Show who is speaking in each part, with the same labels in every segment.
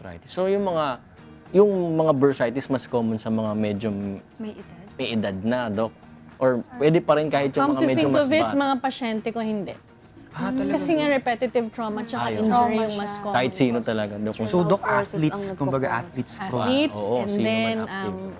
Speaker 1: arthritis. So yung mga bursitis mas common sa mga medyo may edad na, Doc? Or pwede pa rin kahit yung
Speaker 2: Come
Speaker 1: mga
Speaker 2: to
Speaker 1: medyo
Speaker 2: think
Speaker 1: mas
Speaker 2: of it,
Speaker 1: bata?
Speaker 2: mga pasyente ko hindi.
Speaker 3: Talaga.
Speaker 2: Kasi nga repetitive trauma tsaka
Speaker 1: Ayun.
Speaker 2: injury
Speaker 4: Trauma
Speaker 2: yung mas
Speaker 4: siya.
Speaker 2: common.
Speaker 1: Kahit sino talaga, Doc. Kung
Speaker 3: So, Doc,
Speaker 4: Forces ang
Speaker 3: athletes, kumbaga
Speaker 4: nagpo-cause.
Speaker 3: athletes pro.
Speaker 2: Athletes,
Speaker 1: Oo,
Speaker 2: and
Speaker 1: sino man
Speaker 2: then
Speaker 1: active.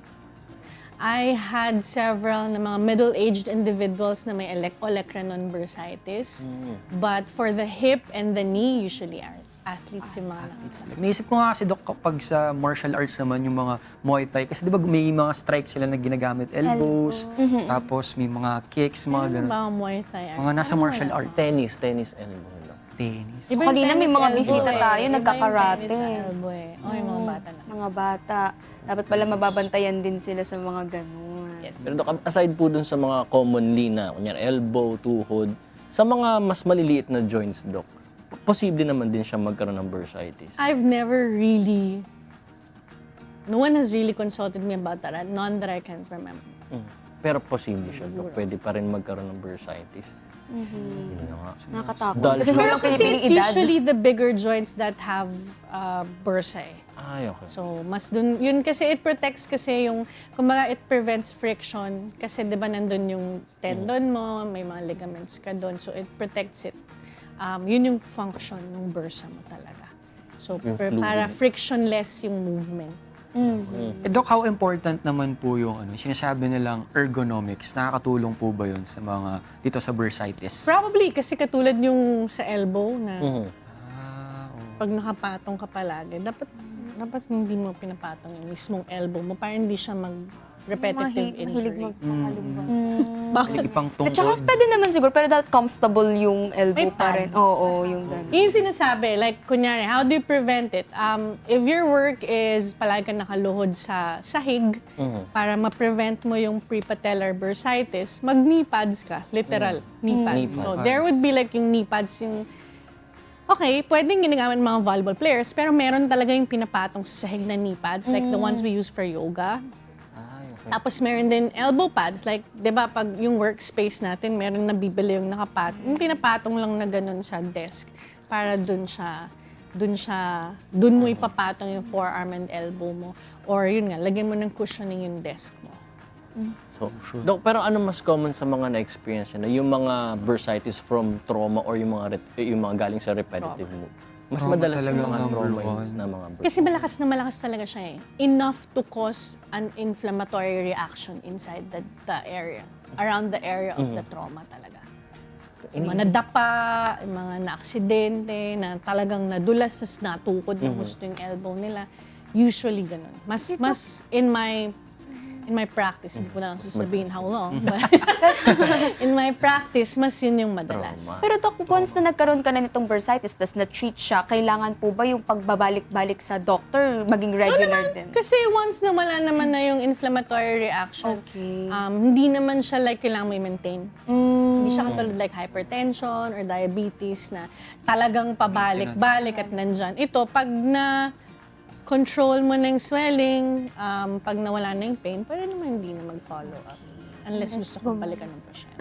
Speaker 2: I had several na mga middle-aged individuals na may olecranon bursitis. But for the hip and the knee, usually are athletes yung mga
Speaker 3: Naisip ko nga kasi, Doc, kapag sa martial arts naman, yung mga Muay Thai, kasi di ba may mga strikes sila na ginagamit, elbows, tapos may mga kicks, mga
Speaker 2: Ano
Speaker 3: ganun.
Speaker 2: ba ang Muay Thai?
Speaker 3: Mga nasa martial arts.
Speaker 1: Tennis elbow, Doc.
Speaker 3: Tennis.
Speaker 2: Iba yung
Speaker 4: Kanina may
Speaker 2: tennis
Speaker 4: mga
Speaker 2: elbow
Speaker 4: bisita
Speaker 2: eh.
Speaker 4: tayo,
Speaker 2: Iba yung
Speaker 4: nagkakarate.
Speaker 2: tennis elbow eh. Oh, yung mga bata na.
Speaker 4: Mga bata. Dapat pala mababantayan din sila sa mga ganun.
Speaker 2: Yes.
Speaker 1: Pero Doc, aside po dun sa mga commonly na, kunyari elbow, tuhod, sa mga mas maliliit na joints, Doc, posible naman din siya magkaroon ng bursitis.
Speaker 2: I've never really, no one has really consulted me about that, none that I can remember.
Speaker 1: Pero posible siya, Doc. Pwede pa rin magkaroon ng bursitis. Yun na nga.
Speaker 4: Nakakatakot.
Speaker 1: Dahil
Speaker 4: Kasi
Speaker 1: siguro
Speaker 2: Pero
Speaker 4: walang
Speaker 2: kasi
Speaker 4: pinipiling
Speaker 2: it's
Speaker 4: edad.
Speaker 2: usually the bigger joints that have bursa eh.
Speaker 1: Ay, okay.
Speaker 2: So, mas dun, yun kasi it protects kasi yung, kumbaga it prevents friction kasi di ba nandun yung tendon mo, may mga ligaments ka dun, so it protects it. Yun yung function ng bursa mo talaga. So,
Speaker 1: Yung
Speaker 2: para
Speaker 1: fluid.
Speaker 2: frictionless yung movement.
Speaker 3: Doc, how important naman po yung sinasabi nilang ergonomics? Nakakatulong po ba yun sa mga, dito sa bursitis?
Speaker 2: Probably kasi katulad yung sa elbow na
Speaker 1: Mhm.
Speaker 2: pag nakapatong ka palagi, dapat hindi mo pinapatong yung mismong elbow mo para hindi siya mag-repetitive
Speaker 4: Mahilig
Speaker 2: injury.
Speaker 4: magpakalubang.
Speaker 3: Like, ipang
Speaker 4: At saka
Speaker 3: tungkol.
Speaker 4: pwede naman siguro, pero dapat comfortable yung elbow
Speaker 2: May
Speaker 4: pa rin. Oo, yung ganun.
Speaker 2: Yung sinasabi, like, kunyari, how do you prevent it? If your work is palagi ka nakaluhod sa sahig, para ma-prevent mo yung prepatellar bursitis, mag-knee pads ka, literal, knee pads.
Speaker 1: Knee
Speaker 2: So,
Speaker 1: pads.
Speaker 2: there would be like yung knee pads, yung, okay, pwedeng ginagamit ng mga volleyball players, pero meron talaga yung pinapatong sa sahig na knee pads, like the ones we use for yoga.
Speaker 1: Ay, okay.
Speaker 2: Tapos meron din elbow pads, like, di ba, pag yung workspace natin, meron nabibili yung yung pinapatong lang na ganun sa desk para dun mo ipapatong yung forearm and elbow mo. Or yun nga, lagyan mo ng cushioning yung desk mo.
Speaker 1: So, Doc, pero ano mas common sa mga na-experience na yung mga bursitis from trauma or yung mga galing sa repetitive move? Mas
Speaker 3: Trauma
Speaker 1: madalas
Speaker 3: talaga
Speaker 1: yung mga
Speaker 3: ang
Speaker 1: trauma
Speaker 3: number
Speaker 1: yun
Speaker 3: one.
Speaker 1: na mga bursitis.
Speaker 2: Kasi malakas na malakas talaga siya eh. Enough to cause an inflammatory reaction inside the area, around the area of the trauma talaga. Yung mga nadapa, yung mga na-aksidente, na talagang nadulas, tapos natukod ng gusto yung elbow nila. Usually ganun. Mas in my practice, hindi ko na lang sasabihin how long, but in my practice, mas yun yung madalas.
Speaker 1: Trauma.
Speaker 4: Pero Doc, once na nagkaroon ka na nitong bursitis, tas na-treat siya, kailangan po ba yung pagbabalik-balik sa doctor maging regular din?
Speaker 2: Kasi once na wala naman na yung inflammatory reaction,
Speaker 4: Okay.
Speaker 2: hindi naman siya like kailangan mo i-maintain. Hindi siya katulad like hypertension or diabetes na talagang pabalik-balik at nandyan. Ito, pag control mo ng swelling, pag nawala na yung pain, pwede naman hindi na mag-follow up. Unless gusto kong balikan ng pasyente.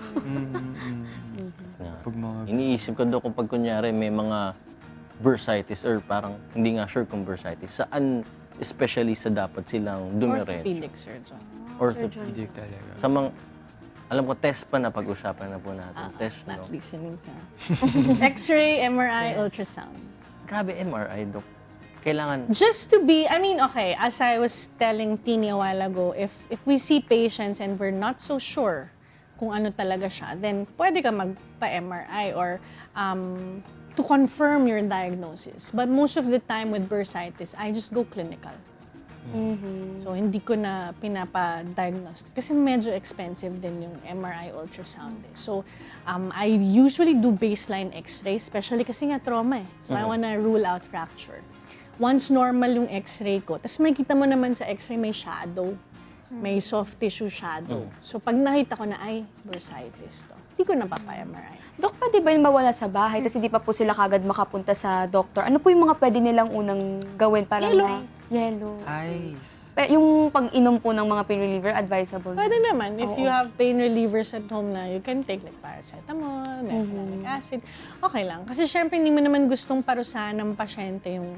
Speaker 3: Pag mga
Speaker 1: Iniisip ko, Doc, kung pag kunyari may mga bursitis or parang hindi nga sure kung bursitis, saan specialista dapat silang dumiretso?
Speaker 2: Orthopedic surgeon.
Speaker 3: hindi talaga.
Speaker 1: Sa mga, alam ko, test pa na pag-usapan na po natin. Test, no?
Speaker 2: Not listening ka. X-ray, MRI, ultrasound.
Speaker 1: Grabe, MRI, Doc. Kailangan,
Speaker 2: Just to be, I mean, okay, as I was telling Tini a while ago, if we see patients and we're not so sure kung ano talaga siya, then pwede ka magpa-MRI or to confirm your diagnosis. But most of the time with bursitis, I just go clinical. So, hindi ko na pinapa-diagnose. Kasi medyo expensive din yung MRI ultrasound. So, I usually do baseline x-ray, especially kasi nga trauma eh. So, I wanna rule out fracture. Once normal yung x-ray ko, tapos makikita mo naman sa x-ray may shadow. May soft tissue shadow. So, pag nakita ko na, ay, bursitis to. Hindi ko na papa-MRI.
Speaker 4: Doc, pwede ba yung mawala sa bahay kasi di pa po sila kagad makapunta sa doctor? Ano po yung mga pwede nilang unang gawin para
Speaker 2: Yellow.
Speaker 4: Yellow.
Speaker 3: Ice.
Speaker 4: Yung pag-inom po ng mga pain reliever, advisable.
Speaker 2: Pwede naman. If you have pain relievers at home na you can take like paracetamol, mefenamic acid, okay lang. Kasi syempre hindi mo naman gustong parusahan ng pasyente yung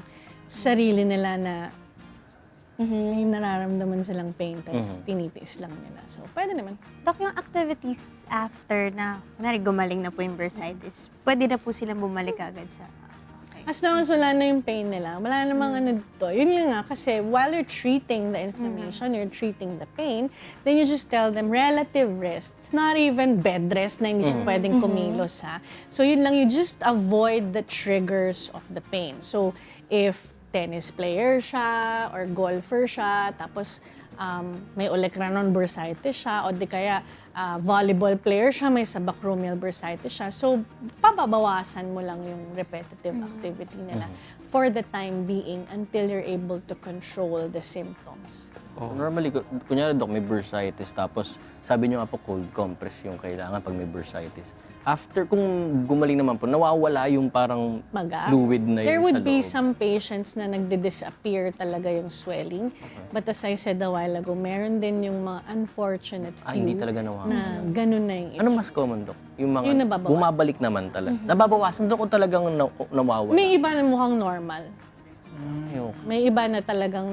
Speaker 2: sarili nila na may nararamdaman silang pain, tapos tinitiis lang nila. So, pwede naman.
Speaker 5: Dok, yung activities after na, kunwari gumaling na po yung bursitis, pwede na po silang bumalik agad sa... Okay.
Speaker 2: As long as wala na yung pain nila, wala namang ano dito. Yun lang nga, kasi while you're treating the inflammation, you're treating the pain, then you just tell them relative rest. It's not even bed rest na hindi siya pwedeng kumilos, ha. So yun lang, you just avoid the triggers of the pain. So if tennis player siya or golfer siya, tapos may olecranon bursitis siya, o di kaya volleyball player siya, may subacromial bursitis siya. So, pababawasan mo lang yung repetitive activity nila for the time being until you're able to control the symptoms.
Speaker 1: Normally, kunyari, Dok, may bursitis, tapos sabi niyo nga po cold compress yung kailangan pag may bursitis. After, kung gumaling naman po, nawawala yung parang
Speaker 2: Maga.
Speaker 1: fluid na yun
Speaker 2: There would
Speaker 1: sa
Speaker 2: be
Speaker 1: loob.
Speaker 2: some patients na nagdi-disappear talaga yung swelling. But as I said a while ago, meron din yung mga unfortunate few
Speaker 1: hindi talaga nawawala.
Speaker 2: na ganun na yung
Speaker 1: Ano
Speaker 2: issue.
Speaker 1: mas common, Dok? Yung mga
Speaker 2: Yung nababawasan.
Speaker 1: bumabalik naman talaga. Nababawasan, Dok, o talagang nawawala?
Speaker 2: May iba na mukhang normal.
Speaker 1: Ayoko.
Speaker 2: May iba na talagang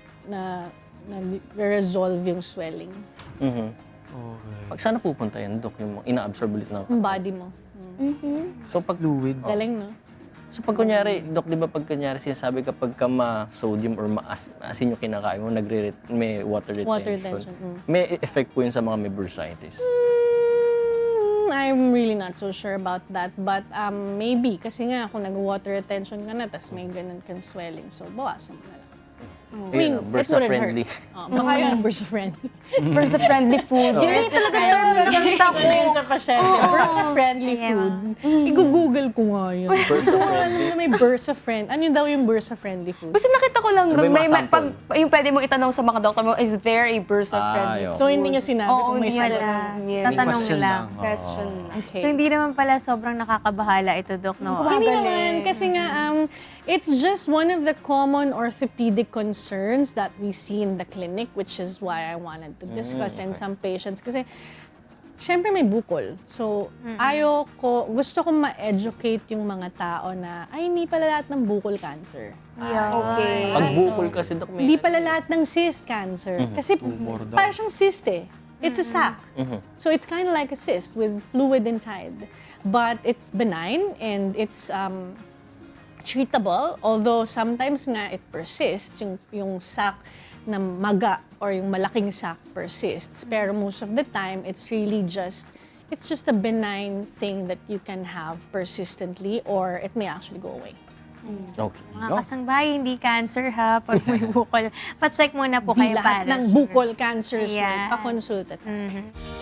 Speaker 2: nag-resolve yung swelling.
Speaker 1: Pag saan pupunta yan, Dok? Yung ina-absorb ulit na.
Speaker 2: Yung body mo.
Speaker 1: So pag
Speaker 3: Fluid.
Speaker 2: Galing, no?
Speaker 1: So pag kunyari, Dok, di ba pag kunyari sinasabi kapag ka ma-sodium or maasin yung kinakain mo, may water retention.
Speaker 2: Water retention,
Speaker 1: May effect po yun sa mga may bursitis.
Speaker 2: I'm really not so sure about that. But maybe, kasi nga kung nag-water retention ka na, tas may ganun kang swelling, so bawasan mo na lang.
Speaker 1: Ayun, bursa-friendly.
Speaker 2: Baka yun, bursa-friendly.
Speaker 4: Bursa-friendly food. Yun yung talaga term na nakita ko.
Speaker 2: Yun sa pasyente. Bursa-friendly food. I-google ko nga yun. Alam na may bursa-friend. Ano yun daw yung bursa-friendly food?
Speaker 4: Basta nakita ko lang
Speaker 1: Ano ba
Speaker 4: doon,
Speaker 1: yung mga
Speaker 4: pag,
Speaker 1: sample?
Speaker 4: yung pwede mo itanong sa mga doktor mo, is there a bursa-friendly
Speaker 1: Ayun.
Speaker 2: So, hindi niya sinabi
Speaker 4: Oo,
Speaker 2: kung may
Speaker 4: hindi
Speaker 2: sagot.
Speaker 4: wala.
Speaker 5: Wala.
Speaker 4: Yeah.
Speaker 5: Tatanong
Speaker 3: Question
Speaker 5: lang.
Speaker 3: lang.
Speaker 4: question lang.
Speaker 2: Okay.
Speaker 5: So, hindi naman pala sobrang nakakabahala ito, Dok, no?
Speaker 2: Hindi naman, kasi nga, it's just one of the common orthopedic concerns that we see in the clinic, which is why I wanted to discuss in some patients. Kasi, syempre may bukol. So, gusto kong ma-educate yung mga tao na, ay, hindi pala lahat ng bukol cancer.
Speaker 4: Okay.
Speaker 1: Pag bukol kasi, Dok, may...
Speaker 2: Hindi pala lahat ng cyst cancer. Kasi, parang siyang cyst eh. It's a sac. So, it's kind of like a cyst with fluid inside. But it's benign and it's treatable, although sometimes nga it persists, yung sac na maga or yung malaking sac persists. Pero most of the time, it's just a benign thing that you can have persistently or it may actually go away.
Speaker 1: Okay.
Speaker 5: Mga kasangbahay, hindi cancer ha, pag may bukol. Pa-check muna po
Speaker 2: Di
Speaker 5: kayo
Speaker 2: lahat
Speaker 5: para
Speaker 2: ng
Speaker 5: sure.
Speaker 2: bukol cancer, so
Speaker 5: Ayan.
Speaker 2: pa-consulta tayo.